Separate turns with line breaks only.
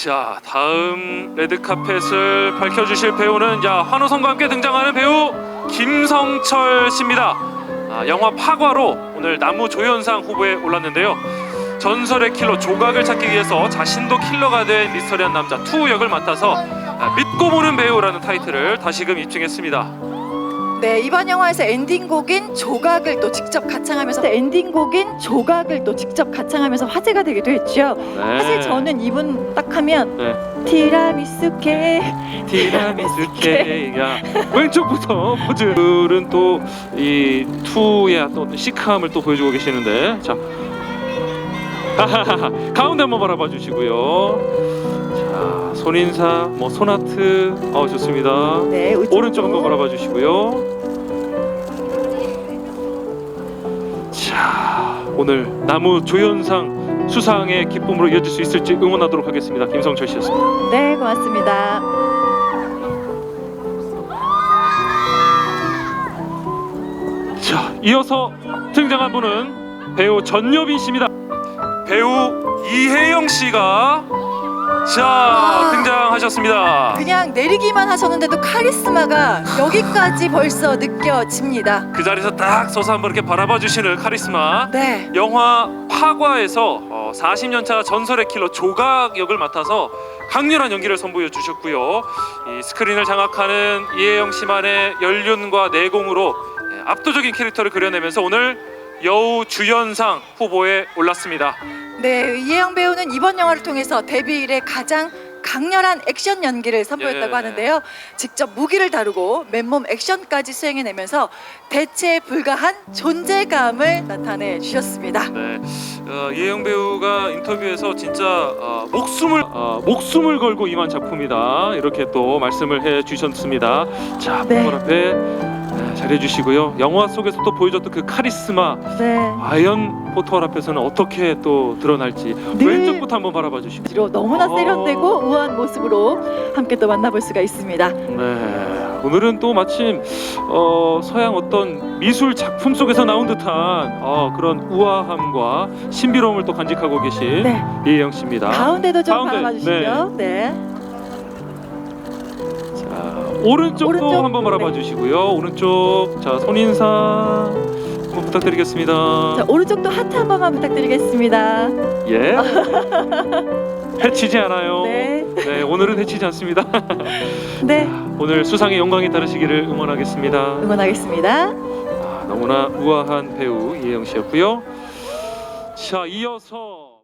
자, 다음 레드카펫을 밝혀주실 배우는 환호성과 함께 등장하는 배우 김성철 씨입니다. 영화 파과로 오늘 나무조연상 후보에 올랐는데요. 전설의 킬러 조각을 찾기 위해서 자신도 킬러가 된 미스터리한 남자 투 역을 맡아서 믿고 보는 배우라는 타이틀을 다시금 입증했습니다.
네, 이번 영화에서 엔딩곡인 조각을 또 직접 가창하면서 화제가 되기도 했죠.
네.
사실 저는 이분 딱 하면
네.
티라미수 케이크
케이크야 왼쪽부터 포즈들은 또 이 투의 또 시크함을 또 보여주고 계시는데, 자 가운데 한번 바라봐 주시고요. 자, 손인사, 손아트, 좋습니다.
네,
오른쪽 한번 바라봐 주시고요. 자, 오늘 나무조연상 수상의 기쁨으로 이어질 수 있을지 응원하도록 하겠습니다. 김성철 씨였습니다.
네, 고맙습니다.
자, 이어서 등장한 분은 배우 전여빈 씨입니다. 배우 이혜영 씨가 등장하셨습니다.
그냥 내리기만 하셨는데도 카리스마가 여기까지 벌써 느껴집니다.
그 자리에서 딱 서서 한번 이렇게 바라봐 주시는 카리스마.
네.
영화 파과에서 40년차 전설의 킬러 조각 역을 맡아서 강렬한 연기를 선보여 주셨고요. 이 스크린을 장악하는 이혜영 씨만의 연륜과 내공으로 압도적인 캐릭터를 그려내면서 오늘 여우 주연상 후보에 올랐습니다.
네, 이혜영 배우는 이번 영화를 통해서 데뷔 이래 가장 강렬한 액션 연기를 선보였다고 하는데요. 직접 무기를 다루고 맨몸 액션까지 수행해내면서 대체에 불과한 존재감을 나타내 주셨습니다.
네, 이혜영 배우가 인터뷰에서 진짜 목숨을 걸고 임한 작품이다, 이렇게 또 말씀을 해주셨습니다. 자,
네.
폰 앞에 잘해주시고요. 영화 속에서 또 보여줬던 그 카리스마,
네.
과연 포토월 앞에서는 어떻게 또 드러날지 왼쪽부터 한번 바라봐 주시고.
너무나 세련되고 우아한 모습으로 함께 또 만나볼 수가 있습니다.
네, 오늘은 또 마침 서양 어떤 미술 작품 속에서 나온 듯한 그런 우아함과 신비로움을 또 간직하고 계신
네.
이혜영 씨입니다.
가운데도 좀
가운데,
바라봐 주시고요. 네.
자, 오른쪽도
오른쪽,
한번 바라봐
네.
주시고요. 오른쪽, 자, 손인사 한번 부탁드리겠습니다.
자, 오른쪽도 하트 한 번만 부탁드리겠습니다.
예. 해치지 않아요.
네.
네, 오늘은 해치지 않습니다.
네,
오늘 수상의 영광이 따르시기를 응원하겠습니다.
응원하겠습니다.
너무나 우아한 배우 이혜영 씨였고요. 자, 이어서